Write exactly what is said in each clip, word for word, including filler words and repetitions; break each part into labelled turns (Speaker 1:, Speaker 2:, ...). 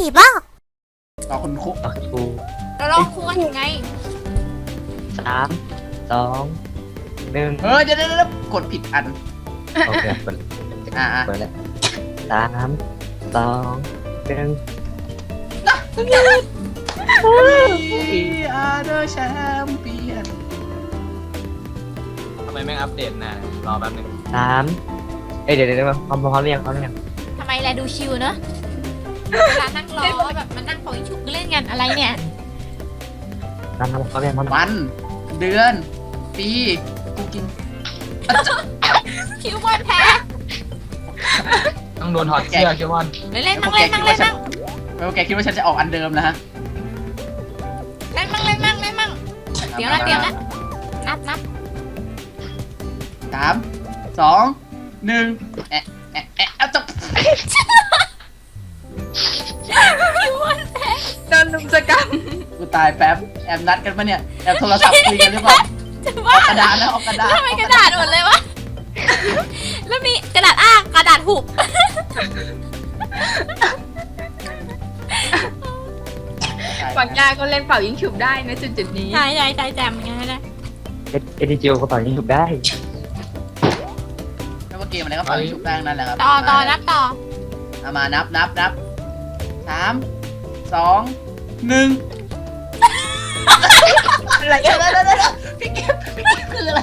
Speaker 1: บ้า
Speaker 2: ต่อคุณครู
Speaker 3: ต่อครู
Speaker 4: เราลองครูกันยังไง
Speaker 3: สามสองหนึ่ง
Speaker 2: เออเดี๋ยวเดี๋ยวกดผิดอัน
Speaker 3: โอเคเปิด
Speaker 2: อ่า
Speaker 3: เปิดแล้วสามสองหนึ่ง
Speaker 2: We are the champion
Speaker 5: ทำไมแม่งอัปเดตนานรอแป๊บนึง
Speaker 3: สามเอ้ยเดี๋ยวเดี๋ยวพร้อมพร้อมหรือยังพร้อมหรือยัง
Speaker 4: ทำไมแลดูชิวเนอะเวลานั่งรอแบบมานั่งปล่อยชุกเล่นกันอะไรเนี่ย
Speaker 3: พร้อมพร้อมพร้อมยังพร้อม
Speaker 2: วัน เดือนปีกูกิน
Speaker 4: คิวบอลแพ้
Speaker 5: ต้องโดนถอดเสื้อคิวมอน
Speaker 4: เล่นเล่นนั่งเล่นนั่งเล่นนั่ง
Speaker 2: ไม่ว่าแกคิดว่าฉันจะออกอันเดิมนะฮะ
Speaker 4: เล่นมั่งเล่นมั่งเล่นมั่งเดี๋ยวนะเดี๋ยวนะนับนับ
Speaker 2: สามสองหนึ่งแอะแอะแอะเอาจบ
Speaker 4: คิวบอลแพ้
Speaker 1: โดนลุมสกรรม
Speaker 2: กูตายแป๊บแอบนัดกันปะเนี่ยแอบโทรศัพท์คุยกันหรือเปล่า
Speaker 4: จะ
Speaker 2: อ
Speaker 4: ว่า
Speaker 2: อกกระดาษนะออกกระดาษ
Speaker 4: ทำไมกระดาษหมดเลยวะแล้วมีกระดาษอ้างกระดาษหุบ
Speaker 1: ฝั่งยาก็เล่นเป่ายิงฉุบได้นะจุดจุดๆนี้
Speaker 4: ใช่ใช่ใช่แจมอย่างนั้นนะ
Speaker 3: เอ็ดเอ็ดดิจิวกระเป๋ายิงถูกได้
Speaker 2: ไม่ว่าเกมอะไรก็ฟังชุบแป้งนั่นแหละครับ
Speaker 4: ต่อต่อนับต่อ
Speaker 2: เอามานับนับนับสามสองหนึ่ง
Speaker 1: อะไร
Speaker 2: เดี๋ยวเดี๋ยวเดี๋ยวเดี๋ยวพี่เก็บพี่เก็บคืออะไร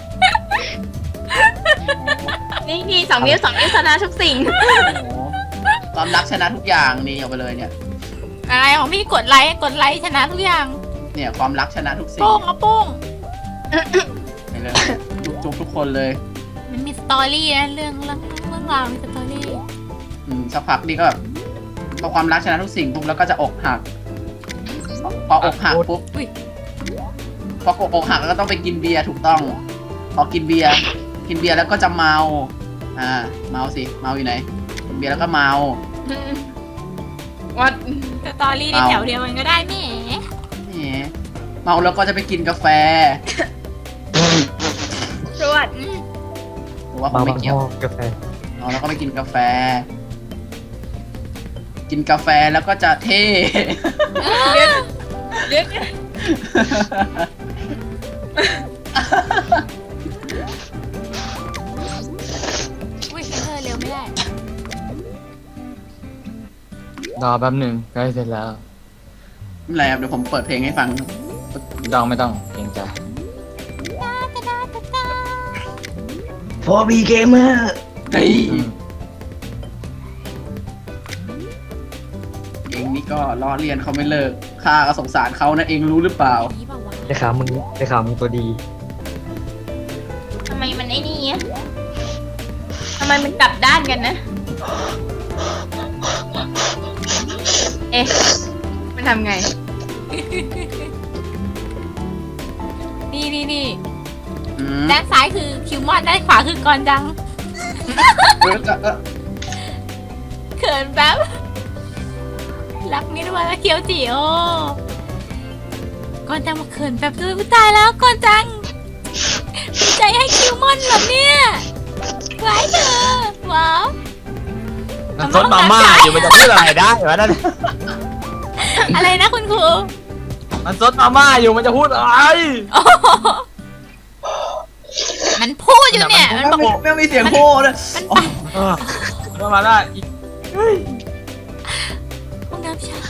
Speaker 1: นี่นี่สองนิ้วสองนิ้วชนะทุกสิ่ง
Speaker 2: โอ้โหความรักชนะทุกอย่างนี่เอาไปเลยเนี่ย
Speaker 4: อะไรของพี่กดไลค์กดไลค์ชนะทุกอย่าง
Speaker 2: เนี่ยความรักชนะทุกสิ่ง
Speaker 4: โป้งเอาโป้ง
Speaker 2: ไปเลยจุกจุกทุกคนเลย
Speaker 4: มันมีสตอรี่นะเรื่องเรื่องเรื่องราวมีสตอรี่
Speaker 2: อืมสักพักนี่ก็แบบพอความรักชนะทุกสิ่งปุ๊บแล้วก็จะอกหักพอพออกหักปุ๊บพออกหักแล้วก็ต้องไปกินเบียร์ถูกต้อง พอกินเบียร์กินเบียร์แล้วก็จะเมาอ่าเมาสิเมาอยู่ไหนกินเบียร์แล้วก็เมา
Speaker 1: วัด
Speaker 4: สตอรี่ในแถวเดียวกันก็ได้แหม
Speaker 2: แหมเมาแล้วก็จะไปกินกาแฟ
Speaker 1: สวัสด
Speaker 4: อืม
Speaker 2: หรือว่าค
Speaker 3: มาง
Speaker 2: ไม่
Speaker 3: บัง
Speaker 2: เกี่ยว
Speaker 3: พ่อกาแฟ
Speaker 2: เมาแล้วก็ไปกินกาแฟ กินกาแฟแล้วก็จะเท่
Speaker 1: เลือดเลือด
Speaker 4: อุ้ยเธอเร็วไม่ได้
Speaker 5: รอแป๊บนึงใกล้เสร็จแล้ว
Speaker 2: ไม่เป็นไรครับเดี๋ยวผมเปิดเพลงให้ฟัง
Speaker 5: ไม่ต้องไม่ต้องเกรงใจ
Speaker 3: โฟบีเกมเมอร์
Speaker 2: เฮ้ย
Speaker 5: อืม
Speaker 2: เองนี่ก็ล้อเลียนเขาไม่เลิกข้าก็สงสารเขานะเองรู้หรือเปล่า
Speaker 4: นี่เปล่าวะ
Speaker 3: ได้ข่าวมึงได้ข่าวมึงตัวดี
Speaker 1: ทำไมมันไอ้นี่อะทำไมมันกลับด้านกันนะ เอ๊ะมันทำไง
Speaker 4: นี่นี่นี่
Speaker 2: อืม
Speaker 4: ด้านซ้ายคือคิวมอนด้านขวาคือกอนจัง
Speaker 2: เออเออเออ
Speaker 4: เขินแป๊บรักมิดวาและเคียวจิโอก่อนจังมาเขินแป๊บด้วยผู้ตายแล้วก่อนจังมีใจให้คิวมอนเหรอเนี่ยไว้เธอว้าว
Speaker 5: มันซดมาม่าอยู่มันจะพูดอะไรได้วะนั่น
Speaker 4: อะไรนะคุณครู
Speaker 5: มันซดมาม่าอยู่มันจะพูดอะไร
Speaker 4: โอ้โหมันพูดอยู่เนี่ยมันบอก
Speaker 2: ไม่ไม่มีเสียงโฮเลย
Speaker 5: เออก็มาได้อีก
Speaker 4: ห้องน้ำชาย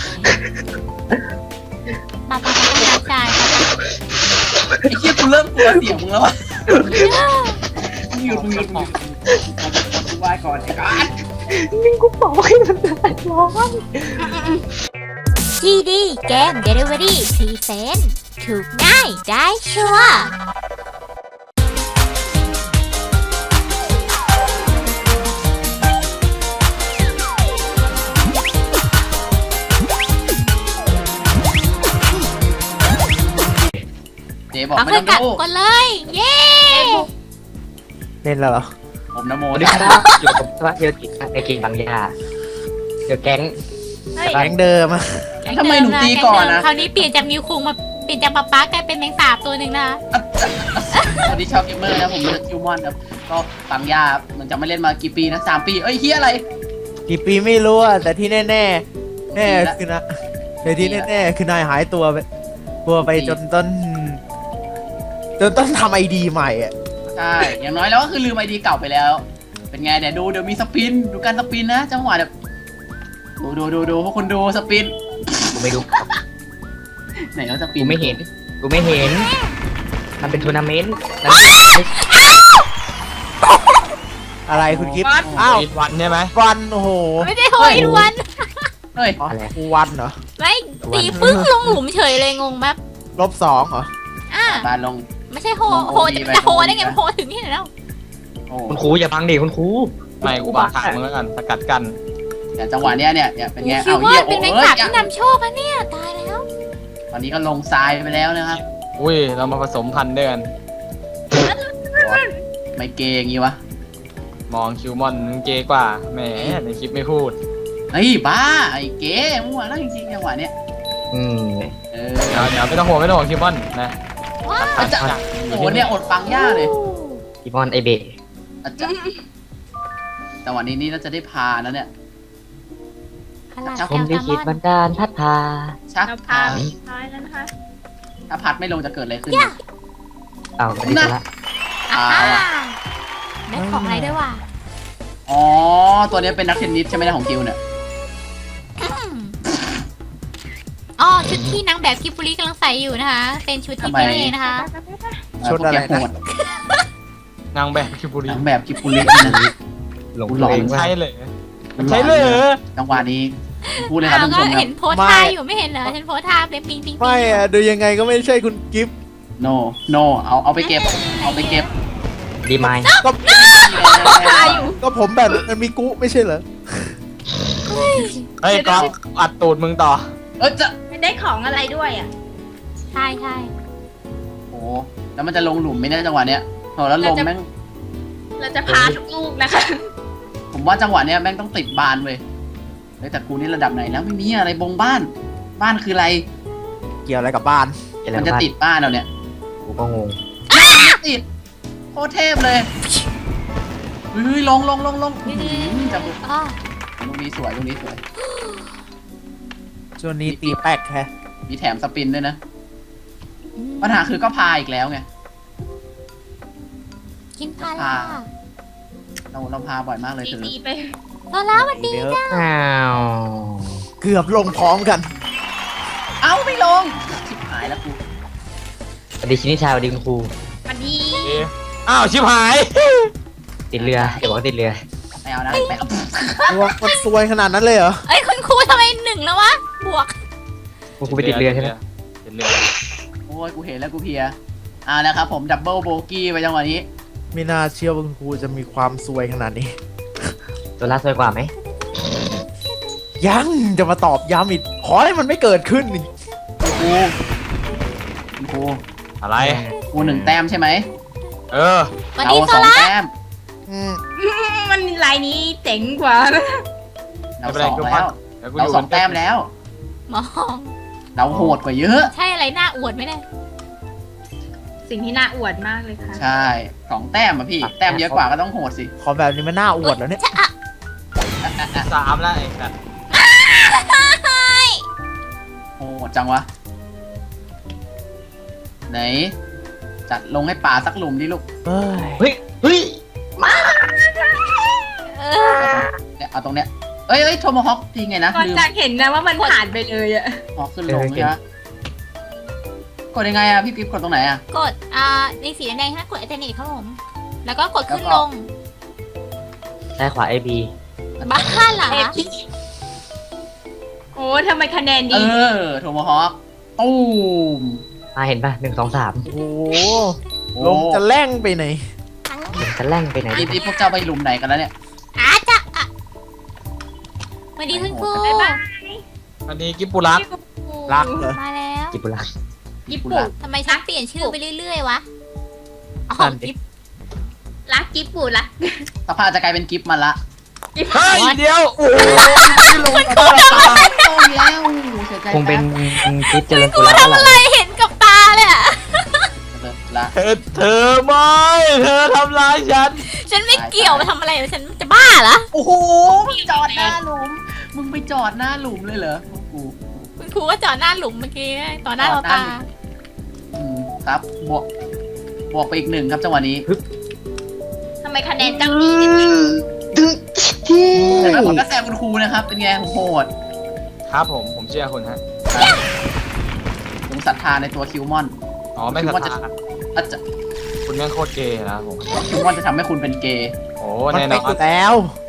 Speaker 4: ปาปาปาห้องน้ำชาย
Speaker 2: ไอ้เหี้ยกูเริ่มกลัวเสียงมึงแล้วอ่ะมึงหยุดมึงหยุดมึงหยุดกูไหว้ก่อนไอ้การ
Speaker 3: นิ่งกูบอกให้มันได้ร้อง
Speaker 4: จีดีเกมเดลิเวอรี่พรีเซนต์ถูกง่ายได้ชัวร์
Speaker 2: เจ๊บอก
Speaker 4: เอา
Speaker 2: ไม่
Speaker 4: เพื่อ
Speaker 2: ต้
Speaker 4: น
Speaker 2: อง
Speaker 4: กลับ
Speaker 2: ดู
Speaker 4: ก่อนเลย เย้
Speaker 3: เล่นแล้วเหรอ
Speaker 2: ผมนโม
Speaker 3: สวัสดี
Speaker 2: นะ
Speaker 3: ครับอยู่กับพระเยติไอเก่งบางยาเดี๋ยวแก๊ง
Speaker 4: เฮ้ย
Speaker 3: แก๊งเดิมอะ
Speaker 2: ทำไมหนูตีก่อนนะ
Speaker 4: คราวนี้เปลี่ยนจากนิวคุงมาเปลี่ยนจากป๊าป๊ากลายเป็นแมงสาบตัวหนึ่งนะ
Speaker 2: สวัสดีชาวเกมเมอร์นะผมเลือกคิวมอนครับก็ฟังยามันจะไม่เล่นมากี่ปีนะสามปีเอ้ยเฮียอะไร
Speaker 6: กี่ปีไม่รู้อะแต่ที่แน่แน่คือนะในที่แน่ๆคือนายหายตัวไปตัวไปจนต้น จนต้องทำไอดีใหม่อ่ะ
Speaker 2: ใช่อย่างน้อยแล้วก็คือลืมไอดีเก่าไปแล้ว เป็นไงเดี๋ยวดูเดี๋ยวมีสปินดูการสปินนะจังหวะแบบดูดูดูดูพวกคุณดูสปิน
Speaker 3: กูไม่ดู
Speaker 2: ไหนแล้วสปิ
Speaker 3: กู
Speaker 2: น
Speaker 3: ไม่เห็นกูไม่เห็นมันเป็นทัวร์นาเมนต์มัน
Speaker 6: อะไรคุณกิฟต์อ้าว
Speaker 5: อีกวันใช่ไหม
Speaker 6: วันโอ้โห
Speaker 4: ไม่ได้โหยวัน
Speaker 2: เฮ้ย
Speaker 6: อ๋อวันเหรอ
Speaker 4: ไม่ตีปึ้งลงหลุมเฉยเลยงงแบบ
Speaker 6: ลบสองเหรอ
Speaker 4: อ่ะ
Speaker 2: บานลง
Speaker 4: ไม่ใช่โห
Speaker 2: ลง
Speaker 4: โห
Speaker 2: โอ
Speaker 4: จะ
Speaker 2: ดีไป
Speaker 4: จะโห
Speaker 2: ลงโอดี
Speaker 4: ได้ไง
Speaker 2: ไป
Speaker 4: มันโหถึงนี่แล้ว
Speaker 2: โอ้
Speaker 3: คุณครูอย่าพังดิคุณครู
Speaker 5: ไม่กูบาขาดมึงแล้วกันสกัดกัน
Speaker 2: แต่จังหวะเนี้ยเนี่ยเนี่ยเป็นไง
Speaker 4: คิด
Speaker 2: เอา
Speaker 4: ว่า
Speaker 2: เยี่ย
Speaker 4: เป็น
Speaker 2: โอ้
Speaker 4: แมง
Speaker 2: เอ้
Speaker 4: สาย บ
Speaker 2: เนี่ย
Speaker 4: ที่นำโชคอะเนี่ยตายแล้ว
Speaker 2: ตอนนี้ก็ลงทรายไปแล้วนะครับ
Speaker 5: อุ้ยเรามาผสมพันธุ์ด้วยกัน
Speaker 2: ไม่เกย์อย่างงี้วะ
Speaker 5: มองคิวมอนมึงเกย์กว่าแหมในคลิปไม่พูด
Speaker 2: เฮ้ยบ้าไอ้เก๋มั่วแล้วจริงๆจังหวะเนี้ย
Speaker 3: อืม
Speaker 2: เออ
Speaker 5: เดี๋ยวเดี๋ยวไม่ต้องห่วงไม่ต้องห่วงคิวมอนนะ
Speaker 4: ว้าว
Speaker 2: อาจจะโอ้โหเนี่ยอดฟังยากเลย
Speaker 3: อีมอนไอเบะ
Speaker 2: อาจจะจังหวะนี้นี่น่าจะได้พาแล้วเนี่ย
Speaker 4: ขนาด
Speaker 3: ผมลิขิตบันดาลพัดพา
Speaker 2: ชัก
Speaker 1: เรา
Speaker 2: พา
Speaker 1: พาท้ายแล้วนะคะ
Speaker 2: ถ้าพัดไม่ลงจะเกิดอะไรขึ้น
Speaker 3: อ้าวไม่ได้ละ
Speaker 4: อ่า
Speaker 2: เอาอะ
Speaker 4: ได้ของอะไรด้วยว่ะ
Speaker 2: อ๋อตัวนี้เป็นนักเทนนิสใช่ไหมนะของกิวเนี่ย
Speaker 4: อืมอ๋อชุดที่นางแบบกิบบุรีกำลังใส่อยู่นะคะ เป็นชุดที่เจ๊เองนะคะ
Speaker 6: ชุดอะไรนะ
Speaker 2: พวกแกโหด
Speaker 5: นางแบบคิวบุรี
Speaker 2: นางแบบกิปุรินะ
Speaker 3: หลง
Speaker 2: หลอน
Speaker 3: ตัวเองว่า
Speaker 5: ใช่เลยใช่เลย
Speaker 2: จังหวะนี้พูดเลยครับ
Speaker 4: อ้าว
Speaker 2: ท่าน
Speaker 4: ก็
Speaker 2: ผู้ชมครั
Speaker 4: เห็
Speaker 2: บ
Speaker 4: นโพสท่าอยู่ไม่เห็นเหรอฉันโพสท่าเป็นปิงปิงปิง
Speaker 6: ไม่อะดูยังไงก็ไม่ใช่คุณกิฟต์
Speaker 2: no no เอาเอาไปเก็บ เอาไปเก็บ
Speaker 3: ดีไหม
Speaker 6: ก็ก็ผมแบบมันมีกุไม่ใช่เหรอ
Speaker 5: เฮ้ยกองอัดตูดมึงต่อ
Speaker 2: เออจะ
Speaker 1: ไม่ได้ของอะไรด้วยอ่ะ
Speaker 4: ใช่ใช่
Speaker 2: โอ้แล้วมันจะลงหลุมไหมเนี่ยจังหวะเนี้ยโหแล้วลมแม่ง
Speaker 1: เราจะพาทุกลูกนะคะ
Speaker 2: ผมว่าจังหวะเนี้ยแม่งต้องติดบานเว้ยเฮ้ยแต่กูนี่ระดับไหนแล้วไม่มีอะไรบงบ้าน บ้านคืออะไร
Speaker 6: เกี่ยวอะไรกับบ้าน
Speaker 3: อะไร
Speaker 2: มันจะ
Speaker 3: บ้าง
Speaker 2: ติดบ้านเราเนี่ย
Speaker 3: กูก็งง
Speaker 2: ติดโคตรเทพเลยเฮ้ยลงลงลงลงอื้อหือจังหวะ
Speaker 4: อ๋อ
Speaker 2: ตรงนี้สวยตรงนี้สวย
Speaker 6: ช่วงนี้ตีแป๊กแฮะ
Speaker 2: มีแถมสปินด้วยนะ
Speaker 4: อืม
Speaker 2: ปัญหาคือก็พาอีกแล้วไง
Speaker 4: กินพาล่า
Speaker 2: เราเราพาบ่อยมากเลยเธอ
Speaker 1: ตีๆไป
Speaker 4: โซล่าสวัสดี
Speaker 6: เดี๋ยว
Speaker 3: อ้าว
Speaker 6: เกือบลงพร้อมกัน
Speaker 2: เอ้าไม่ลงชิบหายแล้วกู
Speaker 3: สวัสดีชินิชาสวัสดีคุณครู
Speaker 1: มาดี
Speaker 5: เอ๊ะอ้าวชิบหาย
Speaker 3: ติดเรืออย่าบอกว่าติดเรือ
Speaker 2: ไม่เอานะไม่เอา
Speaker 6: ตัวมันซวยขนาดนั้นเลยเหรอ
Speaker 4: เอ้ยคุณครูทำไมหนึ่งแล้ววะ บวก
Speaker 3: คุณครูไปติดเรือใช่ไหม
Speaker 5: ติดเรือ
Speaker 2: โอ้ยกูเห็นแล้วกูเพลียอ่านะครับผมดับเบิลโบกี้ไปจังหวะนี้
Speaker 6: ไม่น่าเชื่อว่าคุณครูจะมีความซวยขนาดนี้
Speaker 3: ตัวล่าสวยกว่าไหม
Speaker 6: ยังจะมาตอบย้ำอีกขอให้มันไม่เกิดขึ้นอีก
Speaker 2: กูกู
Speaker 5: อะไร
Speaker 2: กูหนึ่งแต้มใช่ไหม
Speaker 5: เออ
Speaker 4: สวัส
Speaker 2: เรา
Speaker 4: ดีโซ
Speaker 2: สอง
Speaker 4: ล่า
Speaker 2: แต้ม
Speaker 6: อืม
Speaker 1: มันลายนี้เจ๋งกว่า
Speaker 2: เราสองแล้ว
Speaker 5: เดี๋ยวกู
Speaker 2: เรา
Speaker 5: ยู่
Speaker 2: สองแต้มแล้ว
Speaker 4: มอง
Speaker 2: เราโหดกว่าเยอะ
Speaker 4: ใช่อะไรหน้าอวดไหมเนี่ย
Speaker 1: สิ่งที่น่าอวดมากเลยค่ะ
Speaker 2: ใช่สองแต้มอะพี่ แต้มเยอะกว่าก็ต้องโหดสิ
Speaker 6: ขอแบบนี้มันน่าอวดแล้วเนี่ย
Speaker 4: จะอะ
Speaker 5: สามแล้วไอ้สัตว์
Speaker 2: โหดจังวะ ไหน จัดลงให้ป่าสักหลุมดิลูก
Speaker 6: เอ้ย
Speaker 3: เฮ้ยเฮ้ย
Speaker 4: เออ
Speaker 2: เนี่ยเอาตรงเนี้ยเอ้ยเอ้ยโทมฮอคทีไงนะ
Speaker 1: ก่อน
Speaker 2: ลืม
Speaker 1: จากเห็นนะว่ามันผ่านไปเลยอะ
Speaker 2: ฮอคขึ้นลงใช่ไหมกดยังไงอะพี่กิ๊ฟกดตรงไหนอะ
Speaker 4: กด อ่า ในสีแดงๆถ้ากดอัลเทอร์เนทครับผม แล้วก็กดขึ้น
Speaker 2: แล้วก็
Speaker 4: ลง
Speaker 3: ซ้ายขวาไอบี
Speaker 4: บ้าเหรอ
Speaker 1: โอ้ทำไมคะแนน
Speaker 2: เอ
Speaker 1: ดี
Speaker 2: อโทมฮอคตูม
Speaker 3: มาเห็นป่ะหนึ่งสองสาม
Speaker 6: โอ้โห
Speaker 2: โอ้
Speaker 6: ลงจะแล่งไปไหน
Speaker 3: จะแล่งไปไหน
Speaker 2: นี่นี่พวกเจ้าไปหลุมไหนกันแล้วเนี่ย
Speaker 4: อาจะอะสวัสดีคุณครู
Speaker 1: บ๊ายบาย
Speaker 5: อันนี้กิบปุรัก
Speaker 6: รักเหรอ
Speaker 4: มาแล้ว
Speaker 3: กิบุระ
Speaker 1: ญี่ปุ่น
Speaker 4: ทำไมฉันเปลี่ยนชื่อไปเรื่อยๆวะ อ๋อ
Speaker 6: นั่นดิ
Speaker 4: กิ๊บ
Speaker 1: รักญี่ปุ่นรัก
Speaker 2: สภาพจะกลายเป็นกิฟต์มันละ
Speaker 1: ญี่ปุ่
Speaker 5: เฮ้
Speaker 1: น
Speaker 5: ยเดี๋ยว
Speaker 2: โอ้ยลงตาตรงแล้วเสียใจ
Speaker 3: คงเป็น
Speaker 2: แป๊บ
Speaker 3: คลิปเจริญกุลาแล้วล่ะ
Speaker 4: เห็นกับตาเลยอะ
Speaker 2: เลิกละ
Speaker 5: เธอเธอไม่เธอทำร้ายฉัน
Speaker 4: ฉันไม่เกี่ยวมาทำอะไรฉันจะบ้าเหรอ
Speaker 2: โอ้โหมึงจอดหน้าหลุมมึงไปไปจอดหน้าหลุมเลยเหรอครู
Speaker 4: คุณครูก็จอดหน้าหลุมเมื่อกี้ต่อหน้าเราตา
Speaker 2: อืมครับบวกบวกไปอีกหนึ่งครับจังหวะนี้
Speaker 1: ทำไมคะแนนจังดีจัง
Speaker 2: แต่ว่าผมก็แซงคุณครูนะครับ เป็นไงโหด
Speaker 5: ครับผมผมเชื่อคุณฮะ
Speaker 2: ผมศรัทธาในตัวคิวมอน
Speaker 5: อ๋อไม่
Speaker 2: คิ
Speaker 5: ศ
Speaker 2: ว
Speaker 5: รั
Speaker 2: มอน
Speaker 5: ท
Speaker 2: จะ
Speaker 5: ธา
Speaker 2: อาจจะ
Speaker 5: คุณแม่งโคตรเกย์นะผม
Speaker 2: คิวมอนจะทำให้คุณเป็นเกย์
Speaker 5: โอ้
Speaker 6: มัน
Speaker 5: แน่น
Speaker 6: ไป
Speaker 5: อน
Speaker 6: อยู่แล้ว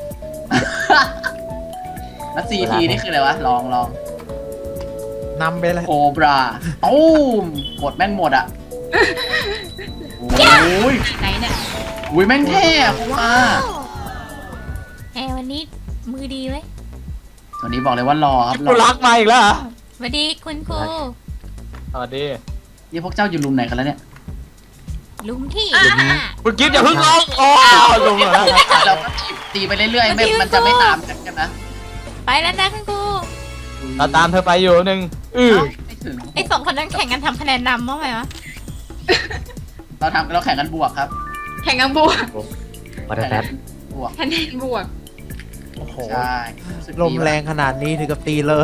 Speaker 2: แล้วซีทีนี่คืออะไรวะ ลองลอง
Speaker 6: นำไปเลย
Speaker 2: โคบราตูมหมดแม่งหมดอ่ะโอ้ย
Speaker 1: ไหนเนี่ย
Speaker 2: อุ้ยแม่งเท่อะครูว่า
Speaker 4: แอร์วันนี้มือดีไว้ย
Speaker 2: ตัวนี้บอกเลยว่ารอครับร
Speaker 5: กู
Speaker 2: อ
Speaker 5: รักมาอีกแล้วเหรอ
Speaker 4: สวัสดีคุณครู
Speaker 5: สวัสดี
Speaker 2: นี่พวกเจ้าอยู่รุมไหนกันแล้วเนี่ย
Speaker 4: หลุมที่
Speaker 5: คุณกิฟต์อย่าเพิ่งลงโอ้ลงเหรอ
Speaker 2: เราก็ตีตีไปเรื่อยๆไม่มันจะไม่ตามกันกันนะ
Speaker 4: ไปแล้วนะคุณครู
Speaker 5: เราตามเธอไปอยู่หนึ่งอือ
Speaker 2: ไม่ถึง
Speaker 4: ไอ้สองคนนั้นแข่งกันทำคะแนนนำมั้งไหมวะ
Speaker 2: เราทำเราแข่งกันบวกครับ
Speaker 1: แข่งกันบวก
Speaker 3: วัตแป๊บ
Speaker 2: บวก
Speaker 1: คะแนนบวก
Speaker 6: โอ้โห
Speaker 2: ใช่รู้สึก
Speaker 6: ล
Speaker 2: ดี
Speaker 6: ม
Speaker 2: ว่ะ
Speaker 6: แรงขนาดนี้ถึงกับตีเลย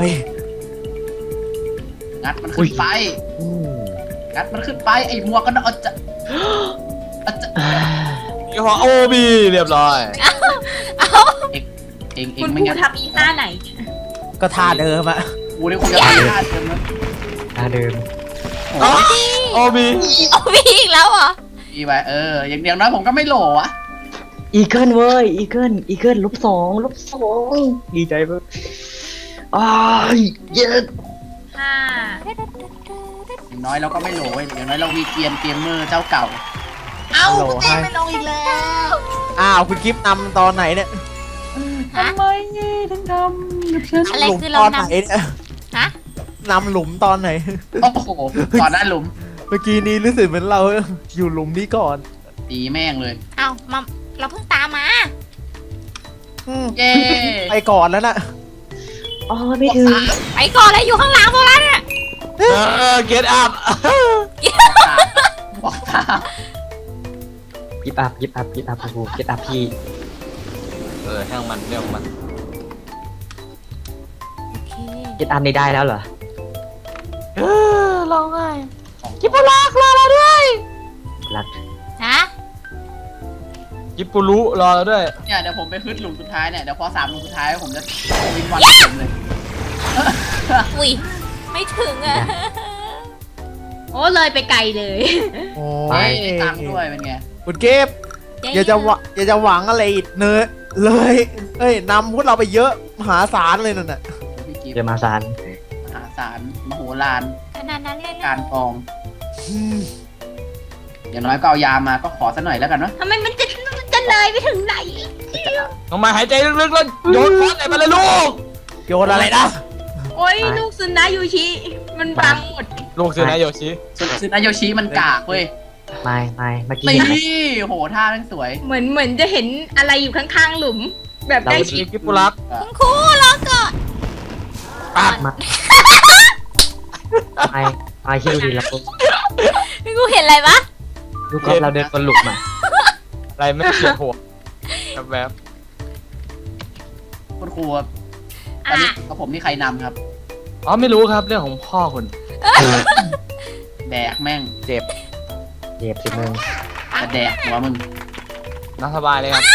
Speaker 2: งัดมันขึ้นไป
Speaker 3: อู้
Speaker 2: งัดมันขึ้นไปไอ้มัวก็เอาจะเอาจะ
Speaker 5: ยี่ห้อโอบีเรียบร้อย
Speaker 2: เองเอง
Speaker 1: คุณ
Speaker 2: ไม่
Speaker 1: ครู
Speaker 2: งั้น
Speaker 1: ทำอีท่าไหน
Speaker 6: ก็ท่าเดิมอะ
Speaker 2: กูนี่คงจะไม่ได้เดิมนะ
Speaker 3: ตาเดิม
Speaker 2: โอ้ย
Speaker 5: โอบี
Speaker 4: เอามีอีกแล้วเหรอ
Speaker 2: ดีไปเอออย่างเดียวน้อยผมก็ไม่โหลอะ
Speaker 3: อีเกิลเว้ยอีเกิลอีเกิลลบสองลบสองดีใจเพิ่มอ้ายเย็ด
Speaker 1: ห้า
Speaker 2: อย่างน้อยเราก็ไม่โหลเว้ยอย่างน้อยเรามีเกียนเกมเมอร์เจ้าเก่า เอ้า
Speaker 6: โหล
Speaker 2: กูตี
Speaker 6: ให้
Speaker 2: ไม่ลงอีกแล้ว
Speaker 6: อ้าวคุณกิฟต์นำตอนไหนเนี่ย
Speaker 4: ฮะ
Speaker 2: ทำไมเนี่ยถึงทำกับฉัน
Speaker 4: อะไร
Speaker 6: หลุม
Speaker 4: คือ
Speaker 6: ต
Speaker 4: เรา
Speaker 6: อน
Speaker 4: น
Speaker 6: ไหนเนี่ย
Speaker 4: ำฮะ
Speaker 6: นำหลุมตอนไหน
Speaker 2: โอ้โหก่อนหน้าหลุม
Speaker 6: เมื่อกี้นี้รู้สึกเหมือนเราอยู่หลุมนี้ก่อน
Speaker 2: ตีแม่งเลย
Speaker 4: เอามาเราเพิ่งตามมา
Speaker 6: อืม
Speaker 2: เย้
Speaker 6: ไปก่อนแล้วน่ะ
Speaker 3: อ๋อไม่ถึง
Speaker 4: ไปก่อนเลยอยู่ข้างหลังตัวนั้นเนี่ย
Speaker 5: เออเกตอัพ
Speaker 2: บอกตาม
Speaker 3: ยิบอัพยิบอัพยิบอัพกูยิบอัพพี่
Speaker 5: เออช่างมันเรื่องของมัน
Speaker 4: โอเค
Speaker 3: ยิบอัพนี่ได้แล้วเหรอ
Speaker 5: เออร้องไห้
Speaker 2: กิบลักรอเราด้วย
Speaker 3: รัก
Speaker 4: ฮะ
Speaker 5: ยิปปุรุรอเราด้วย
Speaker 2: เนี่ยเดี๋ยวผมไปขึ้นหลุมสุดท้ายเนี่ยเดี๋ยวพอสามหลุมสุดท้ายผมจะวินวันผมเลย
Speaker 4: อุ้ยไม่ถึงอ่ะ
Speaker 1: โอ้เลยไปไกลเลย
Speaker 6: โอ้
Speaker 2: ไป
Speaker 6: ย
Speaker 2: ได้ตังค์ด้วยเป็นไง
Speaker 6: คุณกิฟต์อย่าจะหวังอย่าจะหวังอะไรอีกเนอะเลยเอ้ยนำพวกเราไปเยอะมหาศาลเลยนั่นน่ะ
Speaker 2: พี่กิฟ
Speaker 3: เดี๋ยวมาสาร
Speaker 2: มหาศาลมโหฬาร
Speaker 4: ขนาดนั้นเลย
Speaker 2: กา
Speaker 4: นะ
Speaker 2: รกอง อย่างน้อยก็เอายามาก็ขอสักหน่อยแล้วกันเนาะ
Speaker 1: ทำไมมันจะมันจะเลยไปถึงไหน
Speaker 5: น้องมาหายใจลึกๆแล้วโยนฟอสใส่มาเลยลูก
Speaker 6: โยนอะไรนะ
Speaker 1: โอ้ยลูกซุนนะยูชิ มันบังหมด
Speaker 5: ลูกซื้อนะโยชิ
Speaker 2: ซึซึนายโยชิมันกากเว้ย
Speaker 3: ไม่ไม่เมื่อกี้
Speaker 2: ตี
Speaker 3: เห็นไหม
Speaker 2: โหท่าแม่งสวย
Speaker 1: เหมือนเหมือนจะเห็นอะไรอยู่ข้างๆหลุม แบบใกล้ชิด
Speaker 5: กิปปุรัก
Speaker 4: คุณครูรอก่อน
Speaker 5: ปัก
Speaker 3: มาไม่ไม่ที่ดูดีแล้ว
Speaker 4: คุณครูเห็นอะไรปะ
Speaker 3: ลูกกอล์ฟเราเดินบนหลุมอ่ะ
Speaker 5: อะไรไม่เขียนหัวแบบแบบ
Speaker 2: คุณครูครับตอนนี้กับผมนี่ใครนำครับ
Speaker 5: อ๋อไม่รู้ครับเรื่องของพ่อคุณ
Speaker 2: แดกแม่ง
Speaker 6: เจ็บ
Speaker 3: เจ็บสิมึง
Speaker 2: จะแดกหัวมึง
Speaker 5: น่าสบายเลยครับ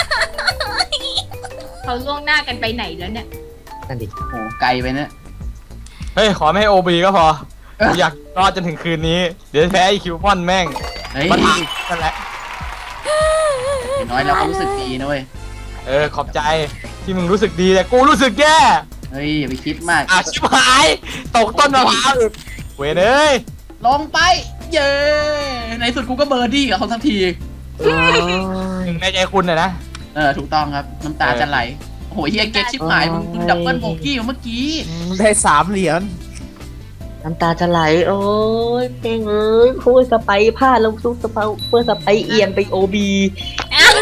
Speaker 1: เขาล่วงหน้ากันไปไหนแล้วเนี่ย
Speaker 3: นั่นดิ
Speaker 2: โหไกลไปเนี่ย
Speaker 5: เฮ้ยขอไม่ให้โอบีก็พออยากรอดจนถึงคืนนี้ เดี๋ยวแพ้ไอคิวฟอนแม่ง
Speaker 2: เฮ้ย
Speaker 5: มาถามนั่นแหละ
Speaker 2: อย่างน้อยเราก็รู้สึกดีนะเว้ย
Speaker 5: เออขอบใจที่มึงรู้สึกดีแต่กูรู้สึกแย่
Speaker 2: เฮ้ยอย่าไปคิดมาก
Speaker 5: อ่ะชิบหายตกต้นมะพร้าวอีกเวยเอ้ย
Speaker 2: ลงไป เย้ในสุดกูก็เบอร์ดี้กับเขาสักที
Speaker 5: หนึ่งในใจคุณน่ะนะ
Speaker 2: เออถูกต้องครับน้ำตาจะไหลโอ้โหเฮียเก็ตชิบหายมึงมึงดับเบิลโบกี้เมื่อกี้
Speaker 6: ได้สามเหรียญ
Speaker 3: น้ำตาจะไหลโอ้ยเพลงเอ้ยคู่สไปพลาดแล้วสู้สไปเพื่อสไปเอียนไปโอบี
Speaker 4: อ้าว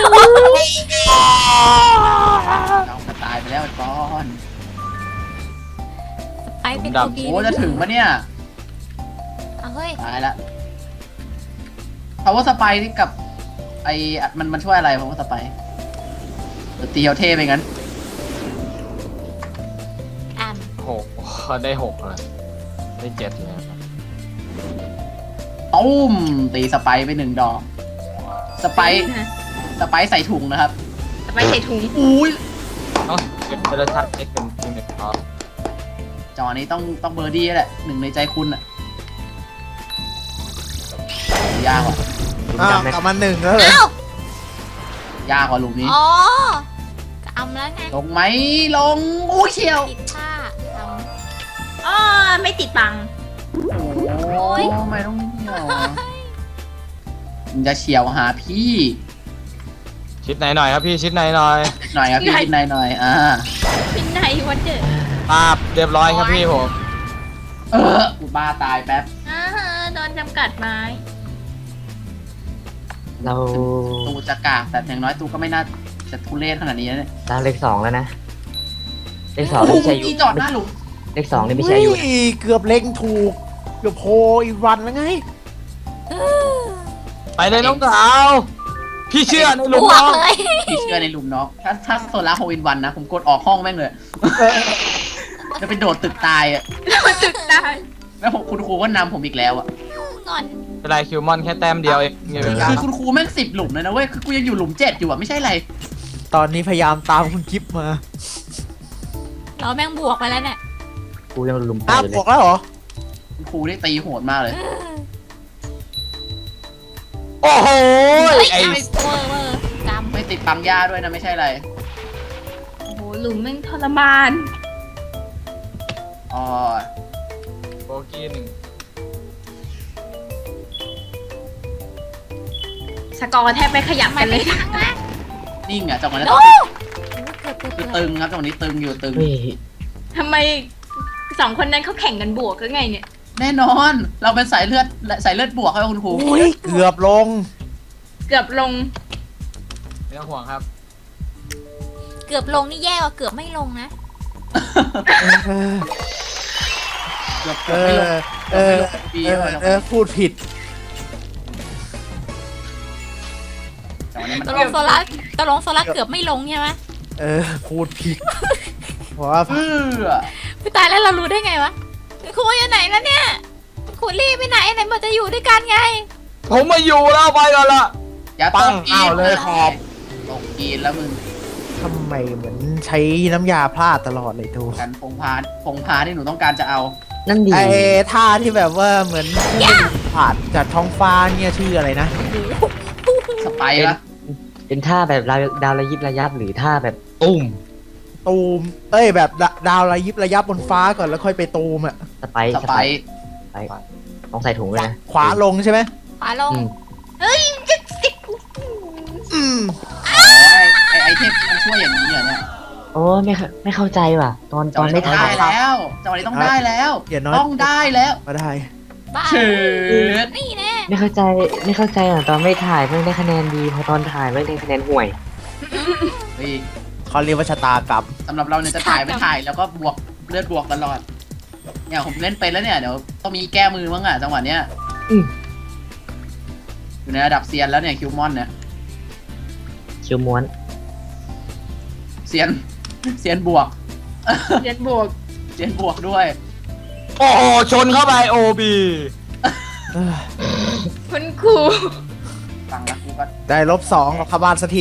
Speaker 2: เราจะตายไปแล้วไอ้ก้อน
Speaker 4: ไปเป็น
Speaker 5: ดำ
Speaker 4: โอบี
Speaker 2: โอ้จะถึงปะเนี่ย
Speaker 4: เอาเฮ้ย
Speaker 2: ตายละ power spy นี่กับ ไอมันมันช่วยอะไร power spy เดี๋ยวตีเอาเท่ไปงั้น
Speaker 5: หกได้หกเลยได้เจ็ดเลยครับ
Speaker 2: ตุ้มตีสไปร์ไปหนึ่งดอก สไปร์สไปร์ใส่ถุงนะครับ
Speaker 1: จะไปใส่ถุง
Speaker 2: อุ้ย
Speaker 5: เอ้าเก็บเทเลทัศน์เอ็กเป็นทีมหนึ่งครับ
Speaker 2: จอนี้ต้องต้องเบอร์ดี้แหละหนึ่งในใจคุณอะยากว่ะ
Speaker 6: อ้าวกลับมาหนึ่งแล้วเหรอ
Speaker 4: อ้าวย
Speaker 2: ากกว่าหลุมนี้
Speaker 4: อ๋อจะอำแล้วไง
Speaker 2: ลงไหมลงอู้เชียว
Speaker 4: ผิดท่าท
Speaker 1: อ๋อไม่ติดบัง
Speaker 2: โอ้ยทำไมต้องเฉียวอะมันจะเฉียวหาพี่
Speaker 5: ชิดไหนหน่อยครับพี่ชิดไหนหน่อย
Speaker 2: หน่อยครับพี่กินหน่อยหน่อยอ่า
Speaker 1: เป็นไหนวันเดอร์
Speaker 5: ปาบเรียบร้อยครับพี่ผม
Speaker 2: เออกูบ้าตายแป๊บ
Speaker 1: อ่าฮะโดนจำกัดไม้
Speaker 3: เรา
Speaker 2: ตูจะกากแต่อย่างน้อยตูก็ไม่น่าจะทุเรศขนาดนี้นะเนี่ย
Speaker 3: เราเลขสองแล้วนะ เลขสอง
Speaker 2: โอ้
Speaker 3: นี่
Speaker 2: โห
Speaker 3: ใช่อยู่
Speaker 2: มีจอดหน้าหลุม
Speaker 3: เลขสองนี่ไม่ใช่อยู่
Speaker 6: เฮ้เกือบเล็งถูก เกือบโพอีกวันแล้วไง
Speaker 5: ไปเลยน้องสาว พี่เชื่อใน
Speaker 4: ำ
Speaker 5: ลุง
Speaker 4: บว
Speaker 5: น้
Speaker 4: ก
Speaker 5: อง
Speaker 4: เลย
Speaker 2: พี่เชื่อในหลุมเนาะถ้าถ้าโซล่าโฮวินวันนะ ผมกดออกห้องแม่งเลยจะไปโดดตึกตายอ่ะ
Speaker 1: ตึกได้
Speaker 2: แล้วผมคุณครูก็นำผมอีกแล้วอ่ะ
Speaker 4: งอน
Speaker 5: เป็นไรคิวมอนแค่แต้มเดียวเองเนี่ย
Speaker 2: คือคือคุณครูแม่งสิบหลุมเลยนะเว้ยคือกูยังอยู่หลุมเจ็ดอยู่อ่ะไม่ใช่ไร
Speaker 6: ตอนนี้พยายามตามคุณกิฟมา
Speaker 4: เราแม่งบวกไปแล้วเนี่ย
Speaker 3: กูยังลุมไป
Speaker 6: อ้าว
Speaker 3: อยู่เล
Speaker 6: บอย กแล้วเหรอ
Speaker 2: คุณครูนี่ตีโหดมากเลย
Speaker 5: โอ้โห
Speaker 4: เฮ้ย
Speaker 5: ไอ้
Speaker 4: เวอร์เวอร์กำ
Speaker 2: ไม่ติดปังยาด้วยนะไม่ใช่ไร
Speaker 1: โอ้โหหลุมแม่งทรมาน
Speaker 2: อ๋อ
Speaker 5: โบกี้หนึ่ง
Speaker 1: สกอร์แทบไม่ขยับ
Speaker 4: มั
Speaker 1: กัน นเล
Speaker 4: ไม่
Speaker 1: ย
Speaker 4: ฟังนะ
Speaker 2: นิ่งอ่ะจังหวะนั้น
Speaker 4: โอ้
Speaker 2: คือ
Speaker 4: เกือบเกือบ
Speaker 2: คือ
Speaker 4: เกื
Speaker 2: ตึ
Speaker 4: อบ
Speaker 2: งครับจังหวะนี้ตึงอยู่ตึง
Speaker 3: เฮ้ย
Speaker 1: ทำไมสองคนนั้นเขาแข่งกันบวกก็ไงเนี่ย
Speaker 2: แน่นอน เราเป็นสายเลือดสายเลือดบวกครับคุณครู
Speaker 6: โอ้ยเกือบลง
Speaker 1: เกือบลง
Speaker 5: ไม่ต้องห่วงครับ
Speaker 4: เกือบลงนี่แย่กว่าเกือบไม่ลงนะ
Speaker 2: เกือบ
Speaker 6: เอ
Speaker 2: เกือบไม่ล
Speaker 6: อง
Speaker 2: เกือบ
Speaker 6: เอ
Speaker 2: ไม่ล
Speaker 6: อง
Speaker 2: ปี
Speaker 6: เออเออพูดผิด
Speaker 2: จังหวะนี้มัน
Speaker 4: ตกลงโซล่าตกลงโซล่าเกือบไม่ลงใช่ไหม
Speaker 6: เออ พูดผิด เพราะว่า
Speaker 2: เพื่อ
Speaker 4: พี่ตายแล้วเรารู้ได้ไงวะครูอยู่ไหนแล้วเนี่ยครูรีบไปไหนไหนบอกจะอยู่ด้วยกันไง
Speaker 5: ผมมาอยู่แล้วไปก่อนละ
Speaker 2: อย่า
Speaker 5: ปั
Speaker 2: ต
Speaker 5: ง
Speaker 2: ก
Speaker 5: อ้าวเลยขอบ
Speaker 2: ตกกีนแล้วมึง
Speaker 6: ทำไมเหมือนใช้น้ำยาพลาดตลอดเลยดู
Speaker 2: กันพงพาพงพาที่หนูต้องการจะเอา
Speaker 3: นั่นดี
Speaker 6: ไอ้ท่าที่แบบว่าเหมือนผ่านจากท้องฟ้าเนี่ยชื่ออะไรนะ
Speaker 2: สไปร์ปะ
Speaker 3: เป็นท่าแบบดาวดาวระยิบระยับหรือท่าแบบตุ้ม
Speaker 6: ตูม เอ้ยแบบดาดาวระยิบระยับบนฟ้าก่อนแล้วค่อยไปตูมอ่ะ
Speaker 3: สไป
Speaker 2: ส
Speaker 3: ส
Speaker 2: ไป
Speaker 3: ไป
Speaker 2: ร์
Speaker 3: ไปต้องใส่ถุงด้วยนะ
Speaker 6: ขวาลงใช่ไหม
Speaker 4: ขวาลง
Speaker 3: อืม
Speaker 1: เฮ้ยจะติด
Speaker 6: อืม
Speaker 2: อ๋อไอไอเทมมันช่วยอย่างนี้เหรอเนี่ย
Speaker 3: โอ้ไม่เข้าไม่เข้าใจว่ะ ตอน
Speaker 2: จั
Speaker 3: ต
Speaker 2: งห
Speaker 3: อน
Speaker 2: วะ
Speaker 3: ไม่
Speaker 2: นี้ต้อง
Speaker 3: ถ่าย
Speaker 2: ได้แล้วจังหวะนี้ต้องได้แล้ว
Speaker 6: อย่าน้อย
Speaker 2: ต้องได้แล้ว
Speaker 6: มาได้
Speaker 4: บ้า
Speaker 2: เฉิด
Speaker 4: นี่แน่
Speaker 3: ไม่เข้าใจไม่เข้าใจอ่ะตอนไม่ถ่ายไม่ได้คะแนนดีพอตอนถ่ายไม่ได้คะแนนห่วย
Speaker 2: เฮ้ย
Speaker 6: เขาเรียกว่าชะตากรรม
Speaker 2: สำหรับเราเนี่ยจะถ่ายไม่ถ่ายแล้วก็บวกเลือดบวกตลอดเนี่ยผมเล่นเป็นแล้วเนี่ยเดี๋ยวต้องมีแก้มือมั้งอ่ะจังหวะเนี้ย
Speaker 3: อืม
Speaker 2: อยู่ในระดับเซียนแล้วเนี่ยคิวมอนเนี่ย
Speaker 3: คิวม้วน
Speaker 2: เซียนเซียนบวก
Speaker 1: เรียนบวก
Speaker 2: เซียนบวกด้วย
Speaker 5: โอ้โหชนเข้าไปโอบี
Speaker 6: เอ้ย
Speaker 1: คุณครู
Speaker 2: ฟังแล้วกูก็
Speaker 6: ได้ลบสองกับขบ้านสักที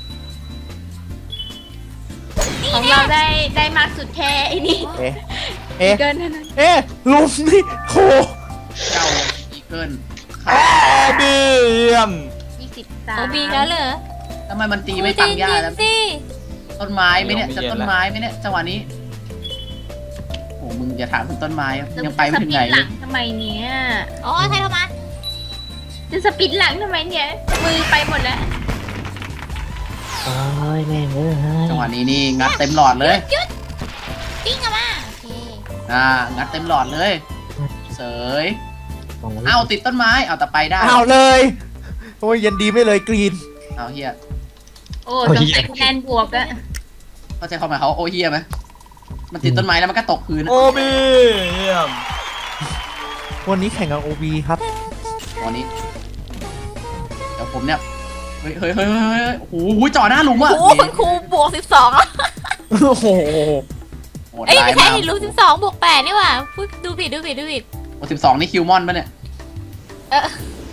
Speaker 1: ของเราได้ได้มากสุดแค่ไอ้นี่
Speaker 6: เอ๊ะ เอ๊ะ
Speaker 1: เกินเท่านั้น
Speaker 6: เอ๊ะลุมนี่โห
Speaker 2: เจ้าอีเกิล
Speaker 5: โอบีเยี่ยม
Speaker 1: ยี่สิบสาม
Speaker 4: โอบีแล้วเหรอ
Speaker 2: ทำไมมันตีไม่ปังยาแล้ว
Speaker 4: สิ
Speaker 2: ต้นไม้ไหมเนี่ยจะต้นไม้ไหมเนี่ยจังหวะนี้โอ้มึงอย่าถามถึงต้นไม้อะยังไปไม่ถึงไหน
Speaker 1: จะสปิดห
Speaker 2: เล
Speaker 1: ลั
Speaker 2: ย
Speaker 1: งทำไมเนี่ย
Speaker 4: อ๋อใครโทรมา
Speaker 1: จะสปิดหลังทำไมเนี่ย มือไปหมดแล้ว
Speaker 3: โอ้ยแม่งเอ้ย
Speaker 2: จังหวะนี้นี่งัดเต็มหลอดเลย
Speaker 4: ปิ้งอะมาโอเค
Speaker 2: อ่างัดเต็มหลอดเลย เสย
Speaker 3: สองร้ย
Speaker 2: เอ้าติดต้นไม้เอาแต่ไปได้
Speaker 6: เอาเลย โอ้ยยันดีไม่เลยกรีน
Speaker 2: เอาเฮีย
Speaker 1: โอ้ต้องใส่คะแนนบวกอะ
Speaker 2: เข้าใจความหมายเขาโอเฮียไหมมันติดต้นไม้แล้วมันก็ตกพื้น
Speaker 5: โอบีเยี่ยม
Speaker 6: วันนี้แข่งกับโอบีครับ
Speaker 2: วันนี้เดี๋ยวผมเนี่ยเฮ้ยเฮ้ยเฮ้ยเฮ้ยโอ้โหจ่อหน้าหลุมอ่ะ
Speaker 4: โอ้โหคุณครูบวกสิบสอง
Speaker 6: โอ้โห
Speaker 2: โอ้โหด
Speaker 4: เอ้ย
Speaker 2: ร้าย
Speaker 4: ไม่ใช่
Speaker 2: มาก
Speaker 4: หลุมสิบสองบวกแปดนี่หว่าพูดดูผิดดูผิดดูผิด
Speaker 2: โอ้สิบสองนี่คิวมอนปะเนี่ย
Speaker 4: เออ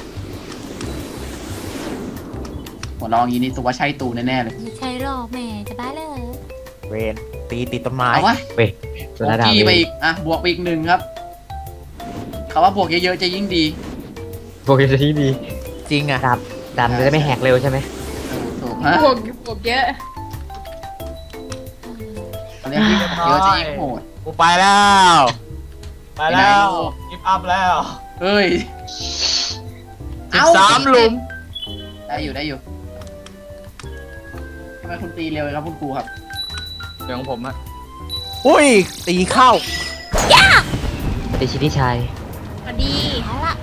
Speaker 2: โหลองอย่างนี้นี่ตัวใช่ตูแน่ๆเลย
Speaker 4: ไม่ใช่หรอกแหม่จะบ้าเลย
Speaker 6: เวนตีติดต้นไม้
Speaker 2: เอาวะ
Speaker 3: เว้ย
Speaker 2: บ
Speaker 3: ตัว
Speaker 2: วก
Speaker 3: ระดับ
Speaker 2: กี่ไป
Speaker 3: เว้ย
Speaker 2: อีกอ่ะบวกไปอีกหนึ่งครับเขาว่าบวกเยอะๆจะยิ่งดี
Speaker 3: โปรเกมที่ดี
Speaker 6: จริงอะ
Speaker 3: ดาบดาบจะได้ไม่แหกเร็วใช่ไหม
Speaker 2: ถูกฮะ
Speaker 1: บวกบวกเยอะ
Speaker 2: เขาเรียกยิ่งเยอะจะยิ่งโหด
Speaker 5: กูไปแล้ว ไปแล้
Speaker 2: ไปไหน
Speaker 5: ว
Speaker 2: ลูก
Speaker 5: กิฟอัพแล้ว
Speaker 2: เฮ้ย
Speaker 5: สิบสามหลุม
Speaker 2: ได้อยู่ได้อยู่ทำไมคุณตีเร็วเลยครับคุณครูครับ
Speaker 5: เดี๋ยวของผมอะ
Speaker 6: อุ้ย ตีเข้า
Speaker 3: เดชินิชัย
Speaker 1: พอดี
Speaker 4: เอาละ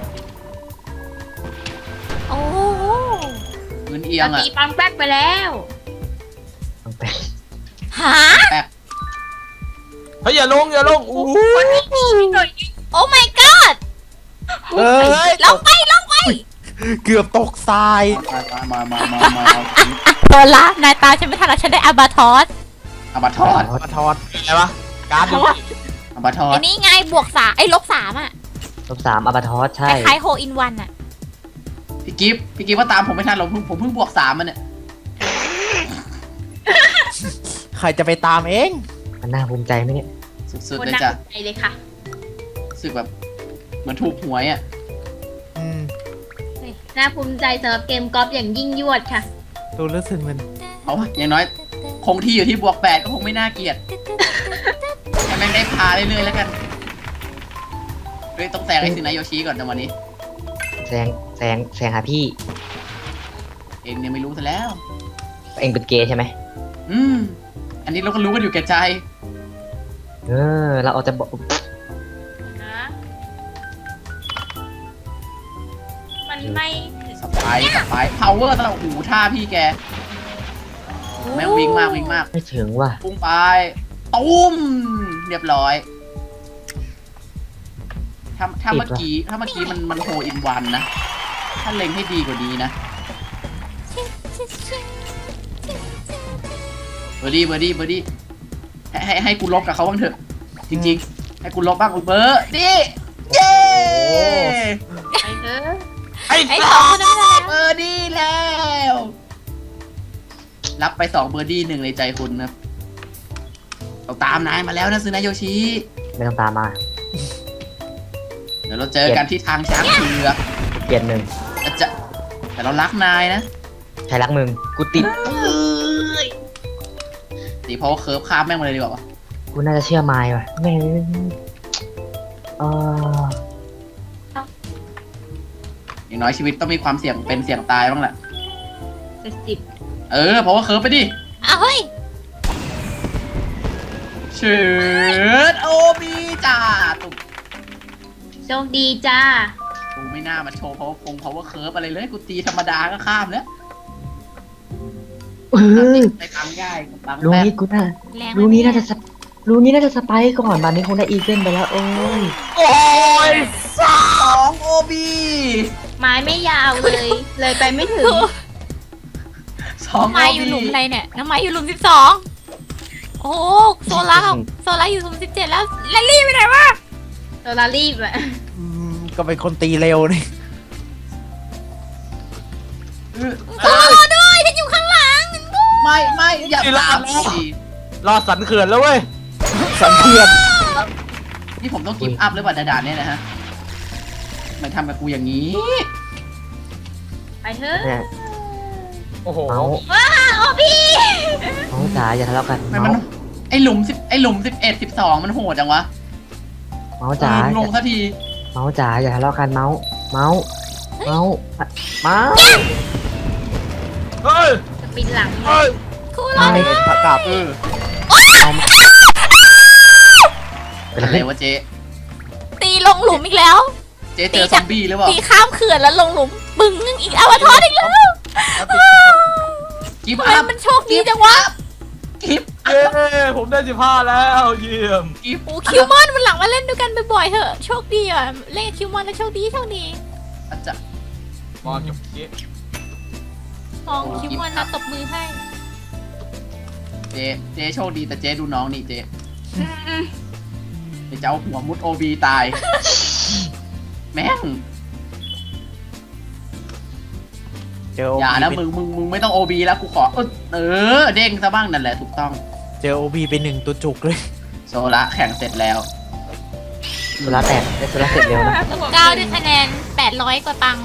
Speaker 4: โอ้โห
Speaker 2: พื้นเอียง
Speaker 1: เรา
Speaker 2: อ่ะ
Speaker 1: ตีปังแป๊กไปแล้ว
Speaker 3: ต้องไป
Speaker 4: หา
Speaker 2: แป๊ก
Speaker 5: เฮ้ยอย่าลงอย่าลงอู้
Speaker 4: โอ้ my god
Speaker 6: เอ้ย
Speaker 4: ลงไปลงไป
Speaker 6: เกือบตกทราย
Speaker 2: มามามามามามา
Speaker 4: โดนละนายตาฉันไม่ทันแล้วฉันได้อาบาทอส
Speaker 2: เอาบัตทอด
Speaker 6: มาทอด
Speaker 5: อะไรวะการ์ดดู
Speaker 2: เอาบัตทอ
Speaker 4: ไอ้
Speaker 2: ด
Speaker 4: นี่ไงบวกสามไอ้ลบสามอ่ะ
Speaker 3: ลบสามอับาทอส
Speaker 4: ค
Speaker 3: ใช่
Speaker 4: ล้ายๆโฮอินวันอ่ะ
Speaker 2: พี่กิฟต์พี่กิฟต์ว่าตามผมไม่ทันหรอกผมผมเพิ่งบวกสามมันเนี่ย
Speaker 6: ใครจะไปตามเอง
Speaker 3: มันน่าภูมิใจไหมเนี่ย
Speaker 2: สุด
Speaker 1: ค
Speaker 2: ๆ
Speaker 1: น
Speaker 2: เลย
Speaker 1: น่า
Speaker 2: จ้ะ
Speaker 1: สนใจเลยค่ะ
Speaker 2: รู้สึกแบบเหมือนถูกหวยอ่ะ
Speaker 6: อืม
Speaker 1: น่าภูมิใจสำหรับเกมกอล์ฟอย่างยิ่งยวดค่ะ
Speaker 6: ดูรู้สึกมัน
Speaker 2: เอาวะอย่างน้อย คงที่อยู่ที่บวกแปดก็คงไม่น่าเกลียดให้แม่งได้พาเรื่อยๆแล้วกันเฮ้ยต้องแซงไอ้สินายโยชิก่อนในวันนี้
Speaker 3: แซงแซงแซงหาพี่
Speaker 2: เองเนี่ยไม่รู้ซะแล้ว
Speaker 3: เองเป็นเกย์ใช่ไหม
Speaker 2: อืม อันนี้เราก็รู้กันอยู่แก่ใจ
Speaker 3: เออ เราเอาจะบอก
Speaker 1: นะ มันไม่
Speaker 2: สไปร์สไปร์พาวเวอร์สำหรับหูท่าพี่แก แม่งวิ่งมากวิ่งมาก
Speaker 3: ไม่ถึงว่ะ
Speaker 2: พุ่งไปตุ้มเรียบร้อย ถ้าถ้าเมื่อกี้ถ้าเมื่อกี้มันมันโฮอินวันนะ ถ้าเล็งให้ดีกว่านี้นะ เบอร์ดี้เบอร์ดี้เบอร์ดี้ให้ให้ให้กูลบกับเขาบ้างเถอะ จริงๆ ให้กูลบบ้างกูเบอร์ดี้เย้
Speaker 1: ไปเถอะ
Speaker 5: ไอ้
Speaker 4: ไอ้
Speaker 5: สั
Speaker 4: สอง
Speaker 5: ส
Speaker 4: คนนั้นไม่ได้แล้ว
Speaker 2: เบอร์ดี้แล้ว รับไปสองเบอร์ดี้หนึ่งในใจคุณนะครับเราตามนายมาแล้วนะซึนาโยชิ
Speaker 3: ไม่ต้องตามมา
Speaker 2: เดี๋ยวเราเจอกันที่ทางช้างเผือก
Speaker 3: เปลี่ยนหนึ่ง
Speaker 2: แต่จะแต่เรารักนายนะ
Speaker 3: ใครรักมึง กูติด
Speaker 2: ตีเพราะว่าเคิร์ฟข้ามแม่งมาเลยดีกว่าวะ
Speaker 3: กูน่าจะเชื่อไม้ว่ะแม่งเออ
Speaker 2: อย่างน้อยชีวิตต้องมีความเสี่ยงเป็นเสี่ยงตายบ้างแหละ
Speaker 1: เจ็ดสิบ
Speaker 2: เออเพราะว่าเคิร์ฟไปดิ
Speaker 4: อ้าวเฮ้ย
Speaker 2: เชิดโอบีจ้าตุ๊ก
Speaker 1: โชคดีจ้า
Speaker 2: กูไม่น่ามาโชว์เพราะว่าคงเพราะว่าเคิร์ฟอะไรเลยกูตีธรรมดาก็ข้ามแล้ว
Speaker 3: เออ
Speaker 2: ไปตังง่ายตัง
Speaker 3: รู้
Speaker 2: แป๊บ
Speaker 3: นี้กูน่า
Speaker 4: แรง
Speaker 3: รู้นี้น่าจะสปรู้นี้น่าจะสไปค์ก่อนบานนี้คงได้อีเกิลไปแล้ว โอ้ย
Speaker 5: โอ้ย
Speaker 2: สองโอบี
Speaker 1: ไม้ไม่ยาวเลย เลยไปไม่ถึง
Speaker 2: สอง
Speaker 4: น้ำไม้อยู่หลุมอะไรเนี่ยน้ำไม้อยู่หลุมสิบสองโอ้โหโซล่าโซล่าอยู่หลุมสิบเจ็ดแล้วแลลี่ไปไหนวะ
Speaker 1: ตัวลารีบอะ
Speaker 6: อืมก็เป็นคนตีเร็วนี่
Speaker 4: โอ้ด้วยฉันอยู่ข้างหลัง
Speaker 2: ไม่ไม่อย่าตามสิ
Speaker 5: รอดสันเขื่อนแล้วเว้ย
Speaker 6: สังเทียน
Speaker 2: นี่ผมต้องกิฟต์อัพหรือเปล่าด่านๆเนี่ยนะฮะทำไมทำกับกูอย่างนี้
Speaker 1: ไปเถอะ
Speaker 3: เนี่ย
Speaker 5: โอ้โห
Speaker 3: เมาส์
Speaker 1: ว้าโอพี่
Speaker 3: เมาส์จ๋าอย่าทะเลาะกัน
Speaker 2: ทำไมมัน
Speaker 3: เมาส์
Speaker 2: ไอหลุมสิบไอหลุมสิบเอ็ดสิบสองมันโหดจังวะ
Speaker 3: เมาส์จ๋า
Speaker 2: เออลงสักที
Speaker 3: เมาส์จ๋าอย่าทะเลาะกันเมาส์เมาส์เมาส์เมาส์
Speaker 5: เฮ้ย
Speaker 1: จะปิดหลัง
Speaker 5: เฮ้ย
Speaker 4: คู่รอ
Speaker 6: ไม่เป็นผักกับ
Speaker 2: เออ
Speaker 3: เป็น
Speaker 2: อะ
Speaker 3: อะไร
Speaker 2: ไรวะเจ๊
Speaker 4: ตีลงหลุมอีกแล้ว
Speaker 2: เจ๊เจอซอมบี้หรือเปล่า
Speaker 4: ตีข้ามเขื่อนแล้วลงหลุมบึ้งอีกอวตารอีกแล้ว
Speaker 2: กิฟ
Speaker 4: ทำ
Speaker 2: ต์
Speaker 4: ไม
Speaker 2: อัพ
Speaker 4: มันโชคดีจังวะ
Speaker 2: กิฟต์
Speaker 5: เย้ผมได้สิบห้าแล้วเยี่ยม
Speaker 2: กิฟต์
Speaker 4: โอ้คิวมอนมันหลังมาเล่นด้วยกันบ่อยๆเถอะโชคดีอ่ะเล่นกับคิวมอนแล้วโชคดีโชคดี
Speaker 2: อาจจะ
Speaker 5: มองจุกกี้
Speaker 4: มองคิวมอนนะตบมือให้
Speaker 2: เจ๊เจ๊โชคดีแต่เจ๊ดูน้องนี่เจ๊เดี๋ยวจะเอาหัวมุดโอบีตาย แม่ง
Speaker 6: เจอโอ
Speaker 2: อย่านะ
Speaker 6: บี
Speaker 2: มึงมึงมึงไม่ต้องโอบีแล้วกูขอ เออ เด้งซะบ้างนั่นแหละถูกต้อง
Speaker 6: เจอโอบีเป็นหนึ่งตัวจุกเลย
Speaker 2: โซละแข่งเสร็จแล้ว
Speaker 3: โซล่าแตกได้โซล่าเสร็จเร็วนะ
Speaker 4: เก้าด้วยคะแนนแปดร้อยกว่าตังค์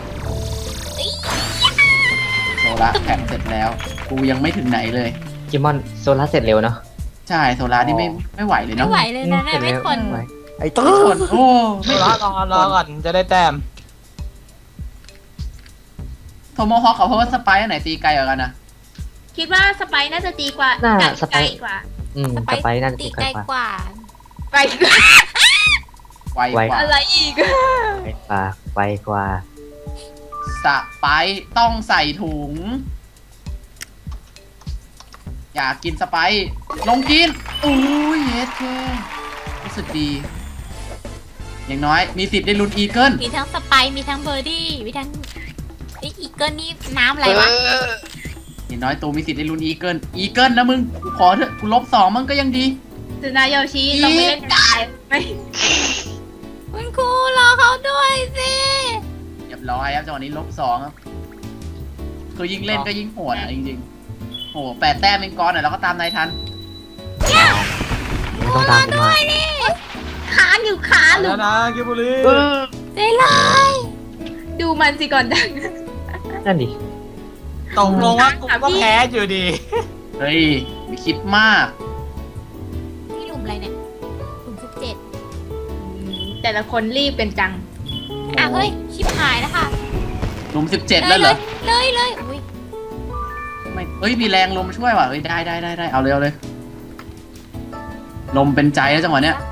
Speaker 2: โซละแข่งเสร็จแล้ว กูยังไม่ถึงไหนเลย
Speaker 3: กิมอนโซล่าเสร็จเร็วเนาะ
Speaker 2: ใช่โซละนี่ไม่ไม่ไหวเลย
Speaker 4: ไม่
Speaker 2: เนาะ
Speaker 4: ไหวเลยนะเนี่ยไม่ทน
Speaker 3: ไหว
Speaker 6: ไอ้ต้น
Speaker 2: ไม่ทนโอ้
Speaker 5: รอก่อนรอก่อนจะได้แต้ม
Speaker 2: โทโมฮอคกับเพราะว่าสไปอันไหนตีไกลกว่ากันนะ
Speaker 1: คิดว่าสไปซ์น่าจะดีกว่า
Speaker 3: น่า
Speaker 1: ไกล
Speaker 3: สไป
Speaker 1: ไกล
Speaker 3: ซ์
Speaker 1: กว่า
Speaker 3: อืมสไปซ์น่าจะ
Speaker 4: ตี
Speaker 3: ตี
Speaker 4: ไก
Speaker 3: ไก
Speaker 4: ล
Speaker 3: ลก
Speaker 4: ก
Speaker 3: ว่า
Speaker 4: ว่า
Speaker 1: ไกลกว่า
Speaker 2: ไวกว่า
Speaker 1: อะไรอีก
Speaker 3: ไกลกว่าไวกว่า
Speaker 2: สไปต้องใส่ถุง อยากกินสไปลงกินอุ้ยเฮ็ดแค่รู้สึกดี อย่างน้อยมีสิทธิ์ได้ลุ้นอีเกิล
Speaker 4: มีทั้งสไปร์มีทั้งเบอร์ดี้มีทั้งไอ้อีเกิลนี่น้ำอะไรวะ
Speaker 2: อย่างน้อยตูมีสิทธิ์ได้ลุ้นอีเกิลอีเกิลนะมึงกูขอเถอะกูลบสองมันก็ยังดี
Speaker 1: สุนายโยชิต้องไปเล่นกายไม่
Speaker 4: คุณครูรอเขาด้วยสิ
Speaker 2: เรียบร้อยครับจังหวะนี้ลบสองครับคือยิ่งเล่นก็ยิ่งโหดอ่ะจริงๆโหแปดแต้มเองก้อนอ่ะแล้วก็ตามนายทัน
Speaker 3: ไม่ต้องตามกูมา
Speaker 1: ค้างอยู่ค้างหรื
Speaker 5: แล้
Speaker 1: อ
Speaker 5: วนะกิบุรี
Speaker 4: ใจร้าย
Speaker 1: ดูมันสิก่อนดัง
Speaker 3: นั่นดิ
Speaker 5: ตกลงว่ากูก็แพ้อยู่ดี
Speaker 2: เฮ้ยไม่คิดมาก
Speaker 4: นี่หลุมอะไรเนี่ยหลุมสิบเจ็ด
Speaker 1: แต่ละคนรีบกันจัง
Speaker 4: อ่ะเฮ้ยชิบหายแล้วค่ะ
Speaker 2: หลุมสิบเจ็ดแล้วเหรอ
Speaker 4: เลยเลยอุ้ย
Speaker 2: ไม่เฮ้ยมีแรงลมช่วยว่ะเฮ้ยได้ได้ได้ได้เอาเลยเอาเลย ลมเป็นใจแล้วจังหวะเนี้ย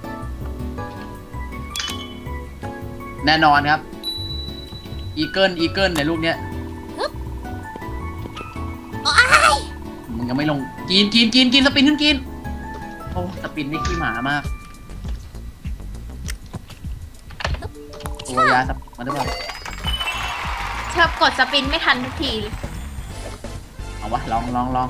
Speaker 2: แน่นอนครับ อีเกิลอีเกิลในลูกเนี้ยมึงยังไม่ลงกินกินกินกินสปินขึ้นกิน โอ้สปินนี่ขี้หมามากตัวยาสปินมาหรือเปล่า
Speaker 1: ชอบกดสปินไม่ทันทุกทีเลย
Speaker 2: เอาวะลองลองลอง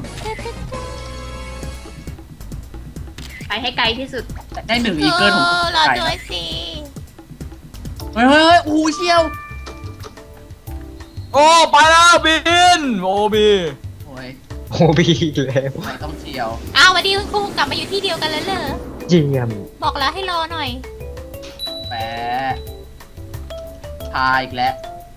Speaker 1: ไปให้ไกลที่สุด
Speaker 2: ได้หนึ่งอีเกิลผม
Speaker 4: เออรอ
Speaker 2: ไก่
Speaker 4: ด้วยสิ
Speaker 2: เฮ้ยเฮ้ยเฮ้ยอู้เชี่ยว
Speaker 5: โอ้ไปแล้วบินโอบี
Speaker 2: โอ้ย
Speaker 3: โอบีอีกแล้ว
Speaker 2: ไม่ต้องเชี่ยว
Speaker 4: อ้าวสวัสดีคุณครูกลับมาอยู่ที่เดียวกันแล้วเหรอ
Speaker 3: เยี่ยม
Speaker 4: บอกแล้วให้รอหน่อย
Speaker 2: แปะพาอีกแล้ว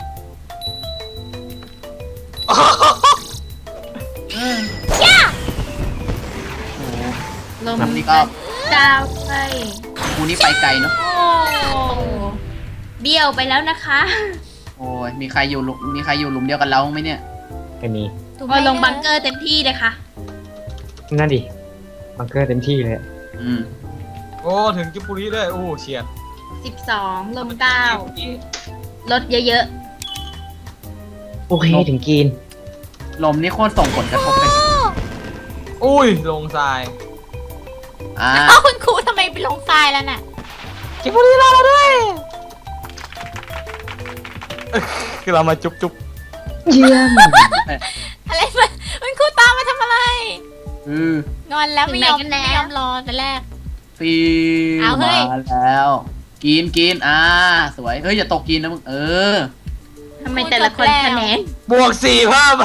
Speaker 2: เออย่
Speaker 4: า
Speaker 2: โอ้โห
Speaker 1: ลม
Speaker 2: แบบนี้ก็
Speaker 1: ดาวไป
Speaker 2: กูนี่ไปไกลเนาะ
Speaker 1: โอ้เบี้ยวไปแล้วนะคะ
Speaker 2: โอ้ยมีใครอยู่หลุมมีใครอยู่หลุมเดียวกันเราไหมเนี่ย
Speaker 3: ไอ้นี่
Speaker 4: ถูกไหม
Speaker 1: ก็ลงบังเกอร์เต็มที่เลยค่ะ
Speaker 3: นั่นดิบังเกอร์เต็มที่เลย
Speaker 2: อืม
Speaker 5: โอ้ถึงกิบุรีด้วยโอ้เฉียด
Speaker 1: สิบสองลมเก้าลดเยอะ
Speaker 3: โอเคถึงกิน
Speaker 2: ลมนี่โคตรส่งผลกระทบไป
Speaker 5: อุ้ยลงทราย
Speaker 2: อ่า
Speaker 4: เอ้าคุณครูทำไมไปลงทรายแล้วน่ะ
Speaker 5: กิบุรีรอเราด้วยคือเรามาจุ๊บจุ๊บ
Speaker 3: เยี่ยม
Speaker 4: อะไรมาคุณครูตามมาทำอะไร
Speaker 2: อือง
Speaker 4: อนแล้วไม่ยอมไม่ยอมรอแต่แรก
Speaker 2: ฟิ
Speaker 4: เอา
Speaker 2: ว
Speaker 4: เฮ้
Speaker 2: มาย แล้ว กินกินอ่า สวย เฮ้ย อย่าตกกินนะมึง เออ
Speaker 1: ๆทำไมแต่ละคนคะแนน
Speaker 5: บวกสี่เพิ่ม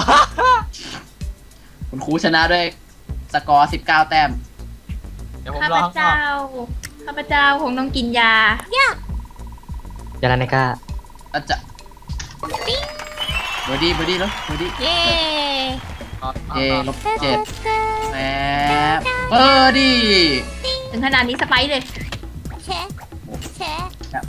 Speaker 2: คุณครูชนะด้วยสกอร์สิบเก้าแต้ม
Speaker 5: เดี๋ยวผม
Speaker 1: ข้าร
Speaker 5: อ
Speaker 1: พ
Speaker 5: ข้างนอ
Speaker 1: เจ้าก ข้าพเจ้าคงต้องกินยา
Speaker 3: ยาลาเนก้า
Speaker 2: แล้วจะเบอร์ดี้เบอร์ดี้แล้วเบอร์ดี้
Speaker 4: เย้
Speaker 2: เจลบเจ็ดแหมเบอร์ดี้
Speaker 1: ถึงขนาดนี้สไปซ์เลย
Speaker 4: แค่